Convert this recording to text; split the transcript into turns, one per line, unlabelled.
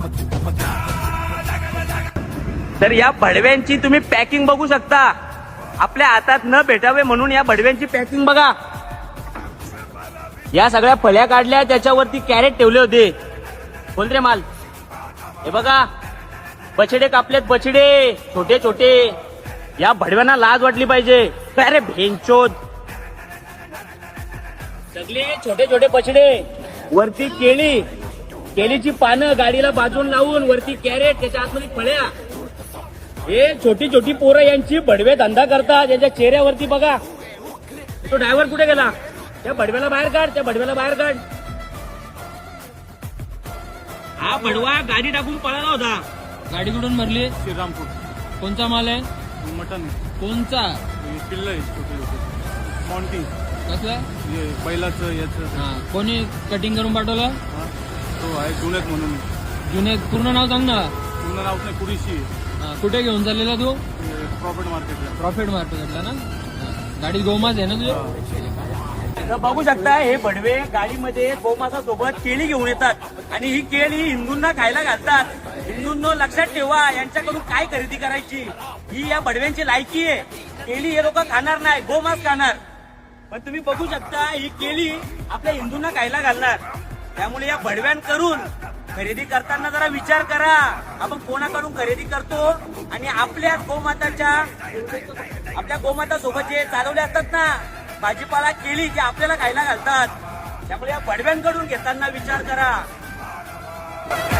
तर या भडव्यांची तुम्ही पॅकिंग बघू शकता. आपल्या हातात न भेटावे म्हणून या भडव्यांची पॅकिंग बघा. या सगळ्या फळ्या काढल्या, त्याच्यावरती कॅरेट ठेवले होते. बोल रे माल. हे बघा बछडे कापलेत, बछडे छोटे छोटे. या भडव्यांना लाज वाटली पाहिजे. काय रे भेंचोद. सगळे छोटे छोटे बछडे, वरती केळी, केळीची पानं गाडीला बाजून लावून, वरती कॅरेट, त्याच्या आतमध्ये फळ्या. हे छोटी छोटी पोरं यांची भडवे धंदा करतात. यांच्या चेहऱ्यावरती बघा. तो ड्रायव्हर कुठे गेला? त्या भडव्याला बाहेर काढ, त्या भडव्याला बाहेर काढ. हा भडवा गाडी टाकून पळाला होता.
गाडी कुठून भरली?
श्रीरामपूर.
कोणचा माल आहे?
मटन.
कोणचा?
पिल्ल आहे छोटे छोटे. मॉन्टी.
कसला?
बैलाचं याचं.
हा, कोणी कटिंग करून पाठवलं?
हा, तो आहे जुनेत म्हणून.
जुने पूर्ण नाव सांग ना.
पूर्ण नाव नाही, कुरीशी.
हा, कुठे घेऊन चाललेला तू?
प्रॉफिट मार्केटला.
प्रॉफिट मार्केटला ना. हा, गाडीत गोमास आहे ना तुझी?
तर बघू शकता हे भडवे गाडीमध्ये गोमासा सोबत केळी घेऊन येतात आणि ही केळी हिंदूंना खायला घालतात. हिंदूंनो लक्षात ठेवा, यांच्याकडून काय खरेदी करायची ही या भडव्यांची लायकी आहे. केळी हे लोक खाणार नाही, गोमास खाणार. पण तुम्ही बघू शकता ही केळी आपल्या हिंदूंना खायला घालणार. त्यामुळे या भडव्यांकडून खरेदी करताना जरा विचार करा, आपण कोणाकडून खरेदी करतो. आणि आपल्या गोमाता सोबत जे चालवले असतात ना भाजीपाला, केळी, जे आपल्याला खायला घालतात, त्यामुळे या भडव्यांकडून घेताना विचार करा.